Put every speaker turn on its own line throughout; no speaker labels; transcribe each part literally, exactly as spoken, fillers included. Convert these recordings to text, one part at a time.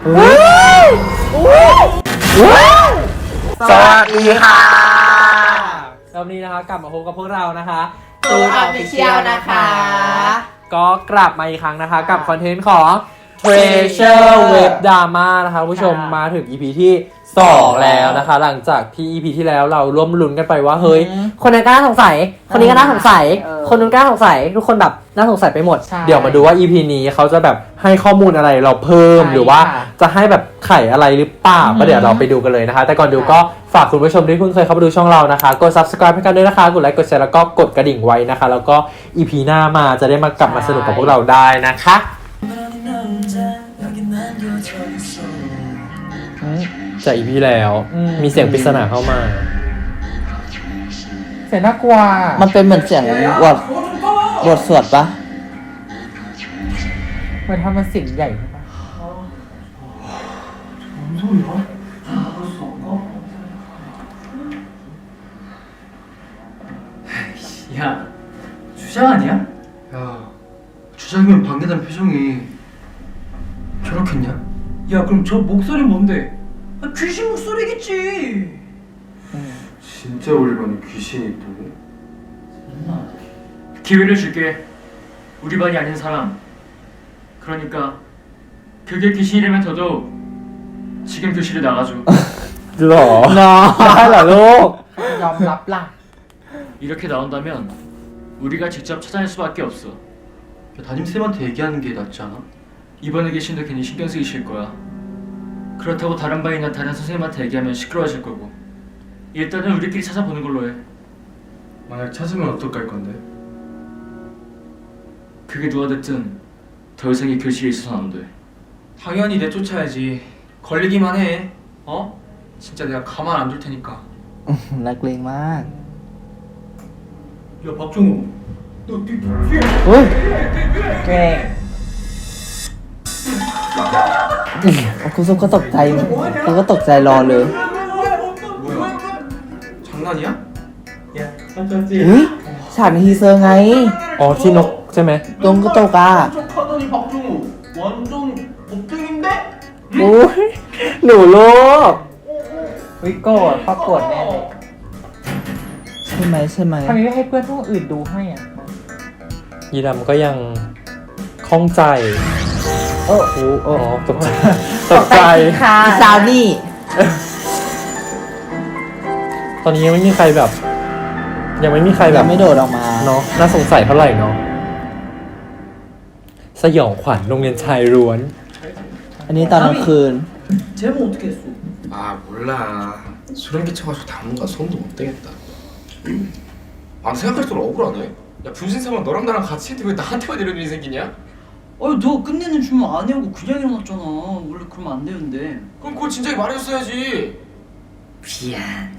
สวัสดีค่ะ
รอบนี้นะคะกลับมาพบกับพวกเรานะคะ
ตูนออฟฟิเชียลนะคะ
ก็กลับมาอีกครั้งนะคะกับคอนเทนต์ของ Treasure Web Drama นะคะผู้ชมมาถึง อี พี ที่สองแล้วนะคะหลังจากที่ อี พี ที่แล้วเราร่วมลุ้นกันไปว่าเฮ้ยคนนั้นก็น่าสงสัยคนนี้ก็น่าสงสัยคนนู้นก็น่าสงสัยทุกคนแบบน่าสงสัยไปหมดเดี๋ยวมาดูว่า อี พี นี้เขาจะแบบให้ข้อมูลอะไรเราเพิ่มหรือว่าจะให้แบบไขอะไรหรือเปล่าก็เดี๋ยวเราไปดูกันเลยนะคะแต่ก่อนดูก็ฝากคุณผู้ชมที่เพิ่งเคยเข้ามาดูช่องเรานะคะกด Subscribe ให้กันด้วยนะคะกดไลค์กดแชร์แล้วก็กดกระดิ่งไว้นะคะแล้วก็ อี พี หน้ามาจะได้มากลับมาสนุกกับพวกเราได้นะคะจาก อี พี แล้วมีเสียงปริศนาเข้ามา
เสียงน่ากลัว
มันเป็นเหมือนเสียงบทบทสวดปะ
เหมือนทำมันเสียงใหญ่ใช่ปะ
야, 주장 아니야?
야, 주장이면 방해단 표정이 저렇겠냐?
야, 그럼 저 목소리 뭔데? 아, 귀신 목소리겠지.
진짜 우리 반에 귀신이 있다고?
기회를 줄게. 우리 반이 아닌 사람. 그러니까 그게 귀신이라면 더더욱 지금 교실에 나가줘.
หรอได้เหรอลูก
ยอมรับล่ะ
이렇게 나온다면 우리가 직접 찾아낼 수밖에 없어.
야, 담임쌤한테 얘기하는 게 낫지 않아?
이번에 귀신도 괜히 신경 쓰이실 거야. 그렇다고 다른 반이나 다른 선생님한테 얘기하면 시끄러워질 거고. 일단은 우리끼리 찾아보는 걸로 해.
만약 찾으면 어떡할 건데?
그게 누가 됐든 더 이상 이 교실에 있어서는 안 돼.
당연히 내쫓아야지. 걸리기만 해. 어? 진짜 내가 가만 안 둘 테니까.
นักเลงมาก
야 박종호, 너 뒤, 뒤에.
เฮ้ย
แกล้ง
คุณซุปก็ตกใจคุณก็ตกใจรอเลย
뭐야? 장난이야? 야,
เฮ้ยฉากในทีเซอร์ไง
อ๋อที่นกใช่ไหม
ตรงก็ตกอ่ะ
척하더니 박종호 완전 겁쟁인데?
โอ้ยหนูลูก
วิโกรธปรากฏแน่เลย
ใช่ไหมใช่ไหม
ทำไมไม่ให้เพื่อนพวกอื่นดูให้อ่ะ
ยีดำก็ยังคล่องใจ
โอ้โห
อ๋อตกใจตกใจ
ค่ะ
อีซาวนี่
ตอนนี้ยังไม่มีใครแบบ ยังไม่มีใครแบ
ยั
บ
งไม่โดดออกมา
เนาะน่าสงสัยเท่าไหร่เนาะสยองขวัญโรงเรียนชายล้วน
อันนี้ตอนกลางคืน
제목 어떻게 했어?
아 몰라. 소름 끼쳐가지고 당분간 손도 못 대겠다. 아 생각할수록 억울하네. 야 분신사만 너랑 나랑 같이 했는데 왜 나한테만 이런 일이 생기냐?
아니 너 끝내는 주문 안 해오고 그냥 일어났잖아. 원래 그러면 안 되는데.
그럼 그걸 진작에 말해줬어야지.
미안.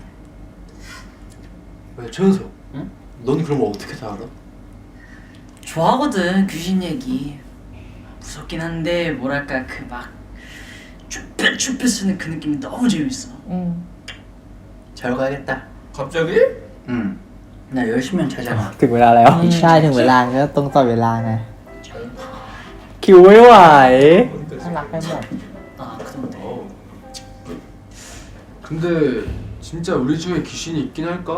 왜 최은석?
응?
넌 그런 거 어떻게 다 알아?
좋아하거든 귀신 얘기. 무섭긴 한데 뭐랄까 그 막 쭈뼛쭈뼛 쓰는 그 느낌이 너무 재밌어.
อืม
잘 가야겠다.
갑자기?
응. 나 열심히 잘 자라.
ถึงเวลาแล้ว
ใช่ถึงเวลาก็ตรงต่อเวลาไง
คิวไม่ไหว
น่ารักไปหมด
아 그런데.
어. 근데 진짜 우리 중에 귀신이 있긴 할까?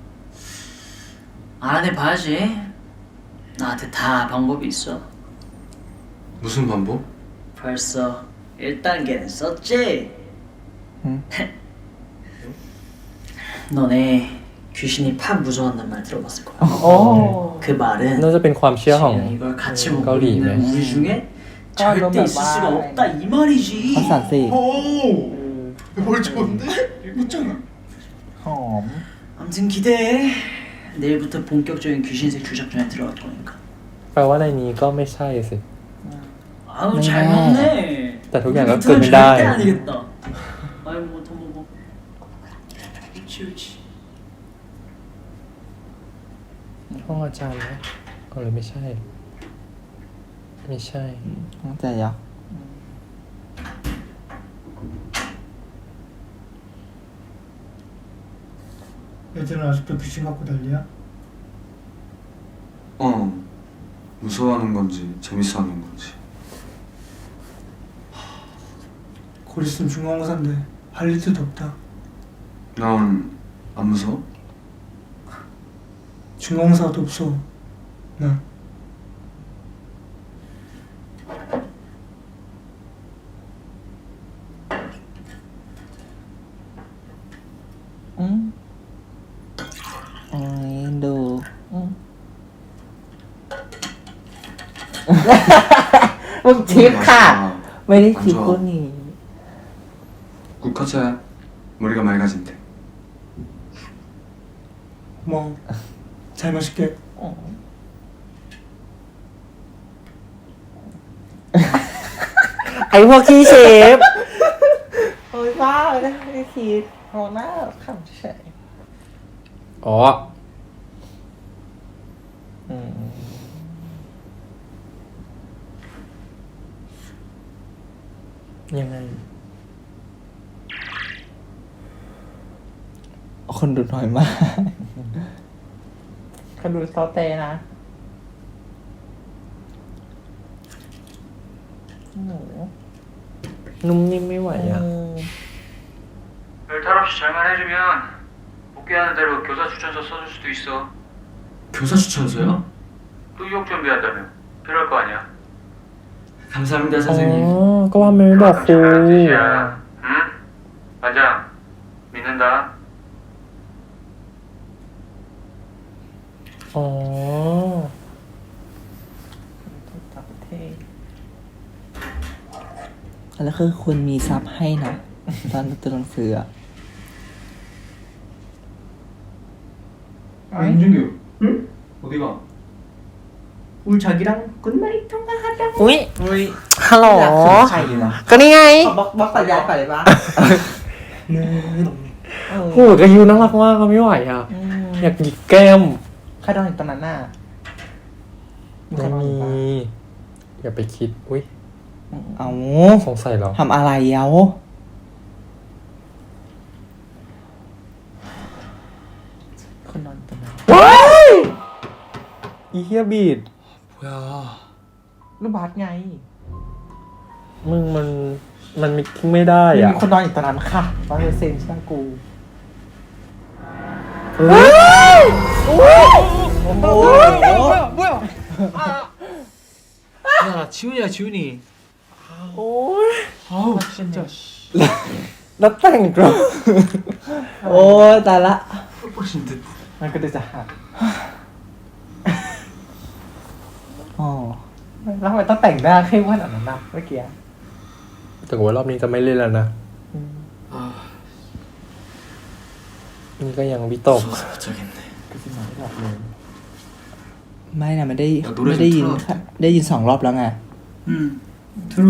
알아내 봐야지. 나한테 다 방법이 있어.
무슨 방법?
벌써 일 단계는 썼지?
응.
너네 귀신이 팝 무서워한단 말 들어봤을 거야.
โอ้
그 말은
น่าจะเป็นความเชื่อของ
지금 이걸 같이
음,
보고
거리
있는
있네.
우리 중에
아, 너무
절대 있을 수가
말.
없다 이 말이지.
เขาสั่นสิ
오! 뭘 좋은데? 웃잖아.
หอม
아무튼 기대해. 내일부터 본격적인 귀신색 주작전에 들어갈 거니까.
แปลว่าในนี้ก็ไม่ใช่สิ
아우
네.
잘 먹네.
나 저기 안
우리부터는
갔거든,
절대
나.
아니겠다. 아이고 더 먹어. 그렇지 그렇지.
ห้องอาจารย์นะก็เลยไม่ใช่ ไม่ใช่
ตั้งใจยอก
애들은 아직도 귀신 갖고 난리야?
어. 무서워하는 건지 재밌어하는 건지.
곧 있으면 중간고사인데 할 일도 없다.
난 안 무서워?
중간고사도 없어. 나.
응?
โอ้ยดู
응. มึงทิปค่ะ
ไม่ได้คิดกูนี่
국 커져야 머리가 맑아진대.
고마워. 잘 마실게.
ไอพวกขี้เชฟ
โอ้ยบ้าเลยไม่ได้คิดโหหน้าขำเฉย
อ๋อ
อืม
ยังไง
คนดูน้อยมาก
เขาดูซอเตนะหมู
นุ่มนิ่มไม่ไหวอ่ะ
별탈 없이 잘만 해주면 복귀하는 대로 교사 추천서 써줄 수도 있어.
교사 추천서요?
또 유학 준비한다며. 필요할 거 아니야.
감사합니다
อ๋อ
선생님.
ก็ว่าไม่บอกครู
잘하는 뜻이야. 응? 반장 믿는다.
อ๋อ
ต่างประเทศ
แล้วคือคุณมีซับให้นะ ตอนตัวหนังสืออะ
아 임준규. 응? 어디가?
오늘 자기랑 굿나잇 통화하자.
อุ้ย
เฮ้ย
ฮัลโหล
อยากถึงใครดีวะ
ก็นี่ไง
เอาบล็อกบล็อกตัดยายก่อนเลยปะ
네.
เออ
โหกระยูน่ารักมากก็ไม่ไหวอ่ะ
อืม
อยากหยิกแก้ม
ใครโดนอีกตอนนั้นน่ะมีใคร
ไม่
โดน
มี
อีกปะ
อย่าไปคิด อุ้ย
เอา
สงสัยเหรอ
ทำอะไรเย้า
คนนอนตรงนั้น
ว้ายอีเฮียบีด
뭐야?
ลูกบาสไง
มึงมัน มันไม่ทิ้งไม่ได้
มี
อ่ะ
คนนอนอยู่ตรงนั้นค่ะร้อยเปอร์เซ็นต์ใช่กู
야 지훈이야 지훈이.
โอ้ย
아우 진짜.
แล้วแต่งตัว
โอ้ยตายละ
뽀뽀신 듯.
มันก็จะหัก
อ๋อ
แล้วทำไมต้องแต่งหน้าเข้มขนาดนั้นนะเมื่อกี้
แต่ว่ารอบนี้จะไม่เล่นแล้วนะ
아
นี่ก็ยังวิตก
무서워서 못 자겠네.
ก็จะนอนไม่หลับเลย
ไม่นะไม่ได้
เอาดูด้วย
ไม่ได้ยิน
สิ
ค่ะได้ยินสองรอบแล้วไง
응. 들어.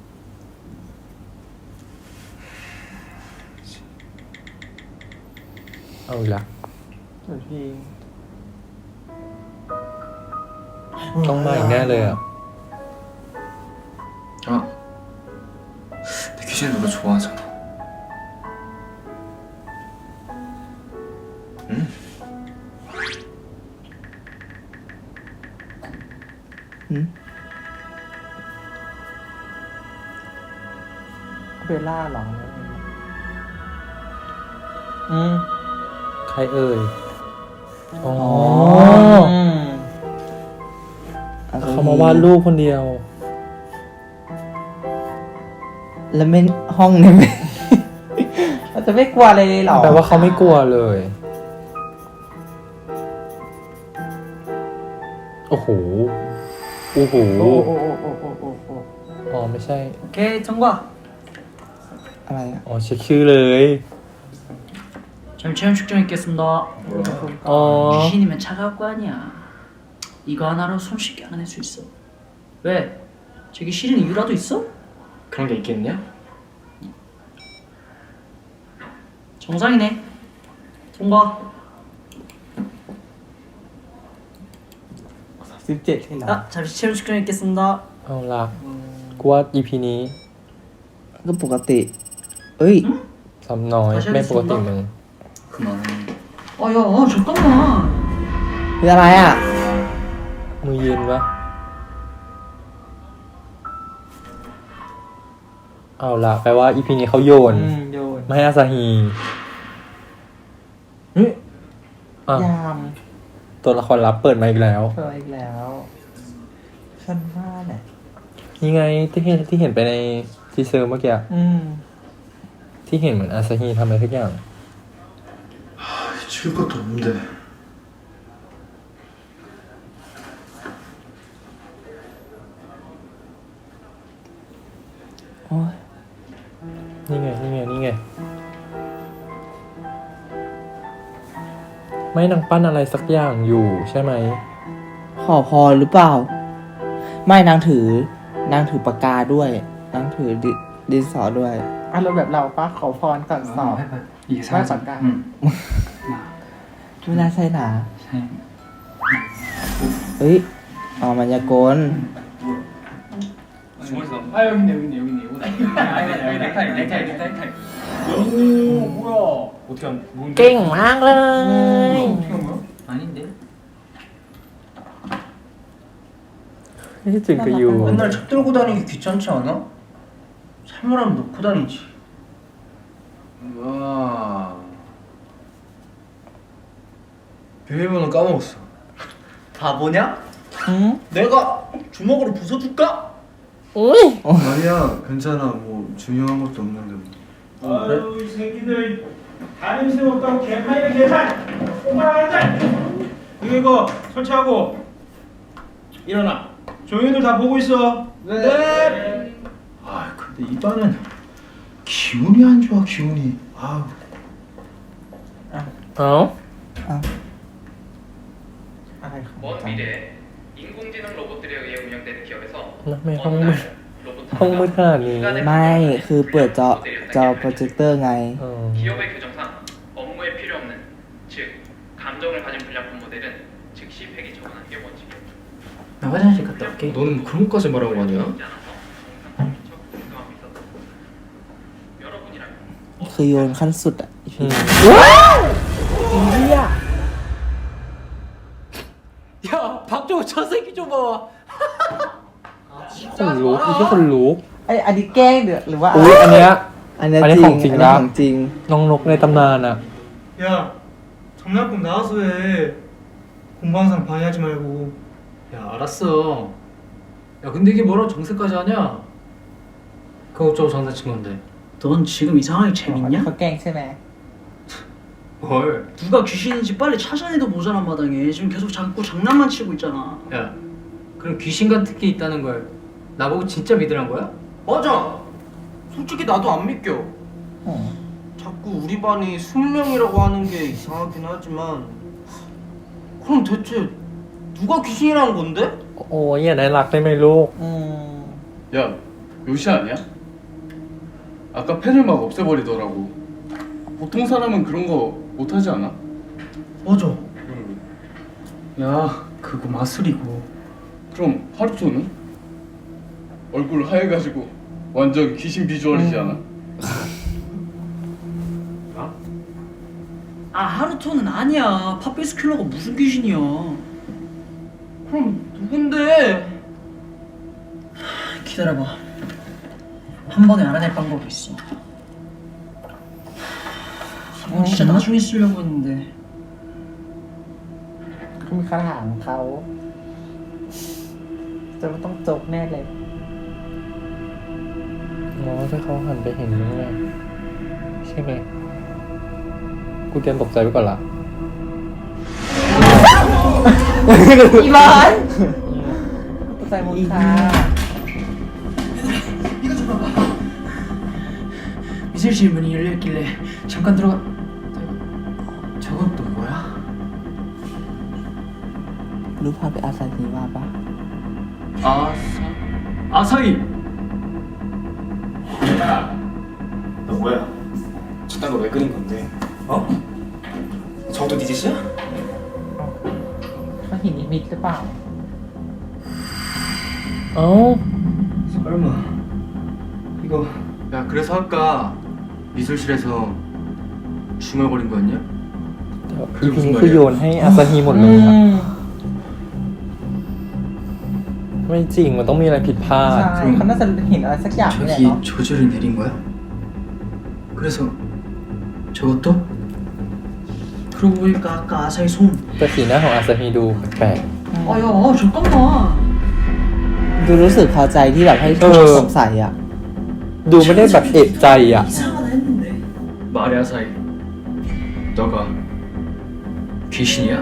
เอาอีกละ
เดี๋ยวพี่
ต้องมาอีกแน่เลยอ่ะ
아, 내 귀신 노래 좋아하잖아. 응?
응?
เบลล่าเหรออืม
ใครเอ่ย อ๋อ
อืม
เขามาวาดรูปคนเดียว
แล้วไม่ห้องเนี่ยไม่
เราจะไม่กลัวเลยเหรอ
แปลว่าเขาไม่กลัวเลย โอ้โห โอ้โห
โอ้โอ้โอ้โอ้โอ้โอ้โอ้
อ๋อไม่ใช่
오케이 통과.
อะไรอะ
อ๋อเช็คชื่อเลย
저희 체험 축전 있겠습니다.
อ๋อ
귀신이면 차가울 거 아니야. 이거 하나로 손쉽게 알아낼 수 있어. 왜? 저기 싫은 이유라도 있어?
그런 게 있겠냐?
정상이네. 통과.
สิบเจ็ดให้เหรอ
아, 잠시 체험 축전 있겠습니다.
เอาละกูว่า อี พี นี้
ก็ปกติ เอ้ย
ซ้ำน้อย ไม่ปกติมึง
그만해.
아, 야, 아, 잠깐만.
คืออะไรอ่ะ
มือเย็นวะเอาละแปลว่าอีพีนี้เขาโยน
อืมโยน
ไม่ให้อาซาฮีเฮ้ยอ่ะ
ยาม
ตัวละครลับเปิดมาอีกแล้ว
เจออีกแล้วฉันว่าแหละ
นี่ไงที่เห็นที่เห็นไปในทีเซอร์เมื่อกี้
อืม
ที่เห็นเหมือนอาซาฮีทำอะไรทุกอย่าง
줄 것도 없는데.
โอ้ย
นี่ไงนี่ไงนี่ไง ไม่นางปั้นอะไรสักอย่างอยู่ใช่ไหม
ขอพรหรือเปล่า ไม่นางถือนางถือปากกาด้วยนางถือดิดินสอด้วย
อารมณ์แบบเราปะขอพรก่อนสอบ
이게
사라졌다.
응.
ไม่น่าใช่หนา
네.
เฮ้ยอ๋อมันยากล
중얼서. 아 여기 있네 여기 있네 여기 있네. 이거 아니 여기 넥타이 넥타이 넥타이. 오 뭐야? 어떻게 한? 뭔데?
เก่งมากเลย
어떻게 한 거야? 아닌데.
นี่จึงก็อยู่
맨날 책 들고 다니기 귀찮지 않아? 사물함 놓고 다니지.
와. 비밀번호 까먹었어.
바보냐?
อืม
내가 주먹으로 부숴줄까?
อุ้ย
아니야, 괜찮아. 뭐 중요한 것도 없는데. 뭐.
아유 이 새끼들 다른 새 없다고 개판이야 개판 오만하자 이거 이거 설치하고 일어나 조용히들 다 보고 있어 네.
아, 근데 이 반은 기운이 안 좋아, 기운이. 아우.
เอ้า
อะไรของ
먼
จัง
미래에 인공지능 로봇들에 의해 운영되는 기업에서
แล้วไม่ห้อง
어느
มืด
날 로봇
ห้องมืดข
하나가
นาดนี้
인간의
ไม่คือเปิดจอจอโปรเจคเตอร์ไง
เออ
기업의 규정상 업무에 필요 없는 즉 감정을 가진 불량품 모델은 즉시 폐기 처분하는 게 원칙이에요.
나 화장실 갔다 올게.
너는 그런 것까지 말하고 가냐?
그렇지 않아서 정상 미처 공감하고 있었다. 여러분이라면
คือโยนขั้นสุดอ่ะ
อืม 야 박정우 저 새끼 좀 봐. คนลุกไม่ใช่คนลุก
ไอยอันนี้แกล้งเดือดหรือว่า
อุ้ยอันเนี้ย
อันนี้
อันนี้
จริ
ของ งจริง
อันนี้
นะ
ของจริง
น้องนกในตำนานอะ
야, 전납금 나와서 해. 공부하는 사람 방해하지 말고.
야 알았어. 야 근데 이게 뭐라고 정색까지 하냐? 그거 어쩌고 장난친 건데.
넌 지금 이 상황이
อันนี้
재밌냐?
เขาแกล้งใช่ไหม
뭘?
누가 귀신인지 빨리 찾아내도 모자란 마당에 지금 계속 자꾸 장난만 치고 있잖아.
야 그럼 귀신 같은 게 있다는 걸 나보고 진짜 믿으란 거야?
맞아. 솔직히 나도 안 믿겨.
อ๋อ
자꾸 우리 반이 스무 명이라고 하는 게 이상하긴 하지만 그럼 대체 누가 귀신이라는 건데?
โอ้ยอย่าได้รักได้ไหมลูก
อืม
야, 요시 아니야? 아까 펜을 막 없애버리더라고. 보통 사람은 그런 거 못하지 않아?
맞아. 야 그거 마술이고.
그럼 하루토는? 얼굴 하얘가지고 완전 귀신 비주얼이지 않아?
아 하루토는 아니야. 팝베이스 킬러가 무슨 귀신이야.
그럼 누군데?
기다려봐. 한 번에 알아낼 방법이 있어. 이건 진짜 나중에 쓰려고 했는데.
เขามีคาถาของเขาจะไม่ต้องจบแน่เลย
อ๋อถ้าเขาหันไปเห็นนี่ไงใช่ไหมกูเตรียมตกใจไว้ก่อนละ
อีบอนตกใจหมดค่ะ
이거 좀 봐봐. 미술실 문이 열려있길래 잠깐 들어가.
저건 또 뭐야?
รู้ภาพเป็นอาซาฮีว่าปะ
아사 아사히.
너 뭐야? 저딴 거 왜 그린 건데? 어? 저도 네 짓이야?
เขาเห็นนิมิตหรือเปล่า
เอ้า
설마 이거. 야 그래서 아까 미술실에서 중얼거린 거였냐?
อีพีนี้คือโยนให้อาซาฮีหมดเลย
อื
อะ
ม
ไม่ไม่จริงมันต้องมีอะไรผิดพลาด
ใช่เขาน่าจะเห็นอะไรสักอย่างนี่แหละ
저기
เนาะ
저주를 내린 거야? 그래서 저것도?
그러고 보니까 아까 아사히 손.
แต่สีหน้าของอาซาฮีดูแปลก
아야 잠깐만.
ดูรู้สึกพอใจที่แบบให้ทุกคนสงสัยอ่ะ
ๆดูไม่ได้แบบเอะใจอ่ะ
이상하다 했는데.
말해 아사히 너가 귀신이야?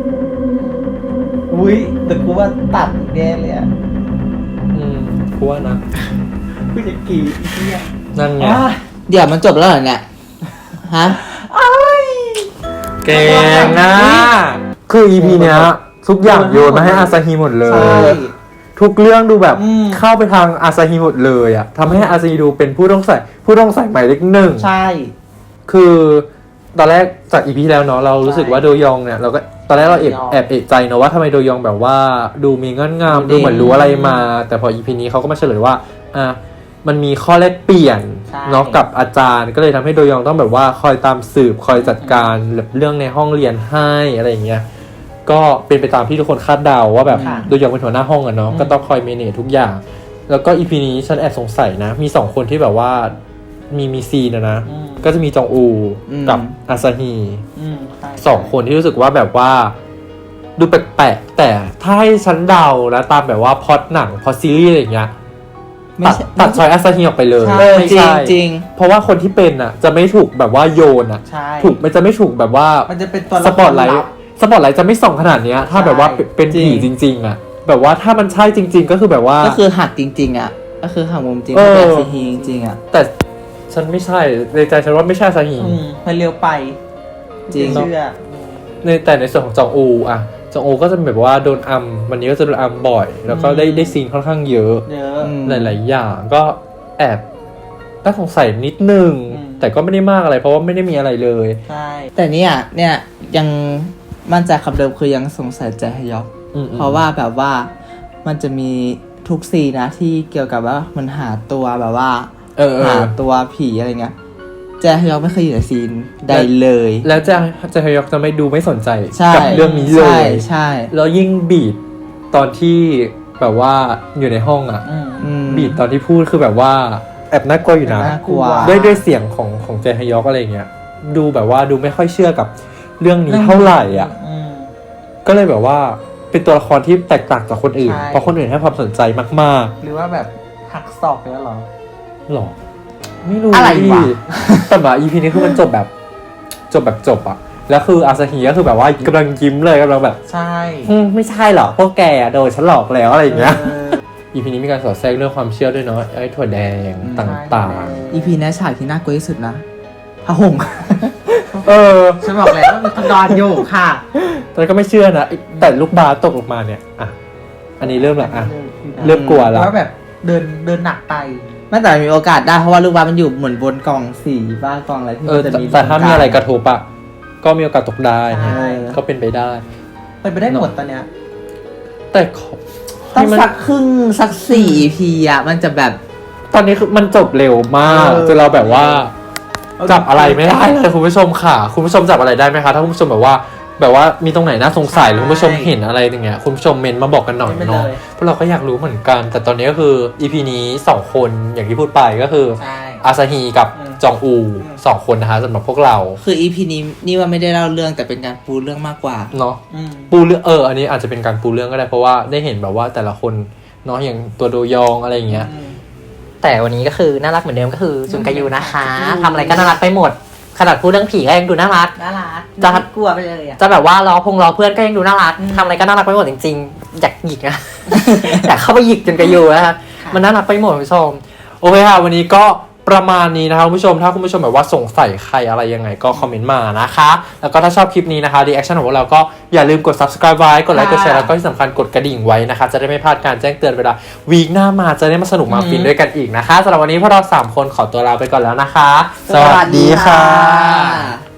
อุ้ยแต่กูว่าตัดแน่เลยอ่ะ
อืมกูว่านะ
กูจะกรีดอีกเนี่ย
นั่นไง
อ่ะ
เดี๋ยวมันจบแล้วเหรอเนี่ยฮะ
เก่งนะคือ อี พี เนี้ยทุกอย่างโยนมาให้อาซาฮีหมดเล
ใช่
ย ทุกเรื่องดูแบบ
อืม
เข้าไปทางอาซาฮีหมดเลยอ่ะทำให้อาซาฮีดูเป็นผู้ต้องใส่ผู้ต้องใส่หมายเลขหนึ่ง
ใช่
คือตอนแรกจาก อี พี ที่แล้วเนาะเรารู้สึกว่าโดยองเนี่ยเราก็ตอนแรกเราแอบ
โดยอง
แอบเอะใจเนาะว่าทำไมโดยองแบบว่าดูมีเงื่อนงำ
ดู
ดู
เด่น
เหมือนรู้อะไรมา แต่พอ อี พี นี้เขาก็มาเฉลยว่าอ่ะมันมีข้อแลกเปลี่ยน
ใช่
เนาะกับอาจารย์ก็เลยทำให้โดยองต้องแบบว่าคอยตามสืบคอยจัดการแบบเรื่องในห้องเรียนให้อะไรอย่างเงี้ยก็เป็นไปตามที่ทุกคนคาดเดาว่าแบบ
ค่ะ
โดยองเป็นหัวหน้าห้องอะเนาะ
อืม
ก็ต้องคอยเมเนจทุกอย่าง แล้วก็ อี พี นี้ฉันแอบสงสัยนะ มีสองคนที่แบบว่ามีมีซีนอะนะ
อืม
ก็จะมีจองอู
อืม
กับอาซาฮี
อืมใช่
สองคนที่รู้สึกว่าแบบว่าดูแปลกๆแต่ถ้าให้ฉันเดาแล้วตามแบบว่าพล็อตหนังพล็อตซีรีส์อะไรอย่างเงี้ย
ไม่
ตัด
ใช่
ตัดชอยอาซาฮีออกไปเลย
เออ
ไม่
จริง
ใช่
จริง
เพราะว่าคนที่เป็นอ่ะ จะไม่ถูกแบบว่าโยนอ่ะ
ใช่
ถูกมันจะไม่ถูกแบบว่า
มันจะเป็นตัว
ส
ละค
ปอต
ร
ไล
ลั
ท์
บ
สปอตไลท์จะไม่ส่องขนาดเนี้ย ถ้า
ใช่
แบบว่าเป็นเป็น
จริง
ผีจริง ๆ อ่ะ แบบว่าถ้ามันใช่จริง ๆ ก็คือแบบว่า
ก็คือหักจริง ๆ อ่ะ ก็คือหักมุมจริง
เออ
เป็นซีฮีจริงๆอ่ะ
แต่ฉันไม่ใช่ในใจฉันว่าไม่ใช่อาซาฮี
อืมมันเร็วไป
จริง
เชื่อ
ในแต่ในส่วนของจองอูอ่ะจองอูก็จะแบบว่าโดนอัมวันนี้ก็จะโดนอัมบ่อย แล้วก็ได้
อืม
ได้ซีนค่อนข้างเยอะ
เยอะ
อืม
หลายๆอย่างก็แอบน่าสงสัยนิดนึง
อืม
แต่ก็ไม่ได้มากอะไรเพราะว่าไม่ได้มีอะไรเลย
ใช่
แต่เนี่ยเนี่ยยังมั่นใจคำเดิมคือยังสงสัยใจฮยอก
อืมๆ
เพราะว่าแบบว่ามันจะมีทุกซีนนะที่เกี่ยวกับว่ามันหาตัวแบบว่า
เออเอ
หา
อ
ตัวผีอะไรเงี้ยแจฮยอกไม่เคยอยู่ในซีนใดเลย
แล้วจะจะฮยอกจะไม่ดูไม่สนใจ
ใช่
กับเรื่องนี้เล
ใช่
ย
ใช่
แล้วยิ่งบีดตอนที่แบบว่าอยู่ในห้องอ่ะ
อืม
อืม
บีดตอนที่พูดคือแบบว่าแอบน่ากลัวอยู่นะ
น่ากลัว
ด้วยด้วยเสียงของของเจฮยอกอะไรเงี้ยดูแบบว่าดูไม่ค่อยเชื่อกับเรื่องนี้เท่าไหร่อ่ะ
อืม
ก็เลยแบบว่าเป็นตัวละครที่แตกต่างจากคนอื่น
ใช่
เพราะคนอื่นให้ความสนใจมาก
หรือว่าแบบหักศอกไปแล้วเหรอ
ๆหรอ ไม่รู้
อะไรวะ
แต่แบบ อี พี นี้คือมันจบแบบ จบแบบจบอะแล้วคืออาซาฮิก็คือแบบว่ากำลังยิ้มเลยกำลังแบบ
ใช่
อืมไม่ใช่หรอกพวกแกโดนฉันหลอกแล้วอะไรอย่างเงี้ย
เออ
อี พี นี้มีการสอดแทรกเรื่องความเชื่อด้วยเนาะไอ้ถั่วแดงต่าง
อีพีนี้ฉากที่น่ากลัวที่สุดนะพระห่ม
ๆ เออ
ฉันบอกแล้วว่ามีคนนอนอยู่ค่ะ
ตอนนนก็ไม่เชื่อนะแต่ลูกบาสตกลงมาเนี่ยอ่ะอันนี้เริ่มละอ่ะ เริ่มกลัวละ
ว่าแบบเดินเดินหนักไป
ไม่แต่มีโอกาสได้เพราะว่าลูกบาสมันอยู่เหมือนบนกล่องสีบ้ากล่องอะไรที่
เอ
มั
อน
จะ
แต่
มี
แต่ถ้ามีอะไรกระทบอะก็มีโอกาสตกได้
ใช่
ก็เป็นไปได้
ไปไปได้หมดตอนเนี้ย
แต่ขอ
ต้อง
ให้มัน
สักครึ่งสักสี่ อี พี อ่ะ มันจะแบบ
ตอนนี้คือมันจบเร็วมาก
เออ
จนเราแบบว่า จับอะไรไม่ได้เลยคุณผู้ชมค่ะ คุณผู้ชมจับอะไรได้ไหมคะถ้าคุณผู้ชมแบบว่า แบบว่ามีตรงไหนน่าสงสัยหรือคุณผู้ชมเห็นอะไรอย่างเงี้ยคุณผู้ชมเมนต์มาบอกกันหน่อย
ไม่
เนาะ
เลย
เพราะเราก็อยากรู้เหมือนกัน แต่ตอนนี้ก็คือ อี พี นี้สองคนอย่างที่พูดไปก็คือ
ใช่
อาซาฮีกับ
อืม
จองอูสองคนนะคะสำหรับพวกเรา
คือ อี พี นี้นี่ว่าไม่ได้เล่าเรื่องแต่เป็นการปูเรื่องมากกว่า
เนาะ
อืม
ปูเรื่องเอออันนี้อาจจะเป็นการปูเรื่องก็ได้เพราะว่าได้เห็นแบบว่าแต่ละคนเนาะอย่างตัวโดยองอะไรอย่างเงี้ย
แต่วันนี้ก็คือน่ารักเหมือนเดิมก็คือจุนกายูนะคะทำอะไรก็น่ารักไปหมด ขนาดพูดเรื่องผีก็ยังดูน่ารัก
น่ารัก
จะ
กลัวไปเลยอ่ะ
จะแบบว่าล้อพงล้อเพื่อนก็ยังดูน่ารักทำอะไรก็น่ารักไปหมดจริงๆอยากหยิกนะ อยากเข้าไปหยิกจุนกายูนะคะมันน่ารักไปหมดคุณผู้ชม
โอเคค่ะวันนี้ก็ประมาณนี้นะคะคุณผู้ชมถ้าคุณผู้ชมแบบว่าสงสัยใครอะไรยังไงก็คอมเมนต์มานะคะแล้วก็ถ้าชอบคลิปนี้นะคะรีแอคชั่นของพวกเราก็อย่าลืมกด subscribe ไว้กดไลค์กดแชร์แล้วก็ที่สำคัญกดกระดิ่งไว้นะคะจะได้ไม่พลาดการแจ้งเตือนเวลาวีคหน้ามาจะได้มาสนุกมาฟินด้วยกันอีกนะคะสำหรับวันนี้พวกเราสามคนขอตัวลาไปก่อนแล้วนะคะ
สวัสดีค่ะ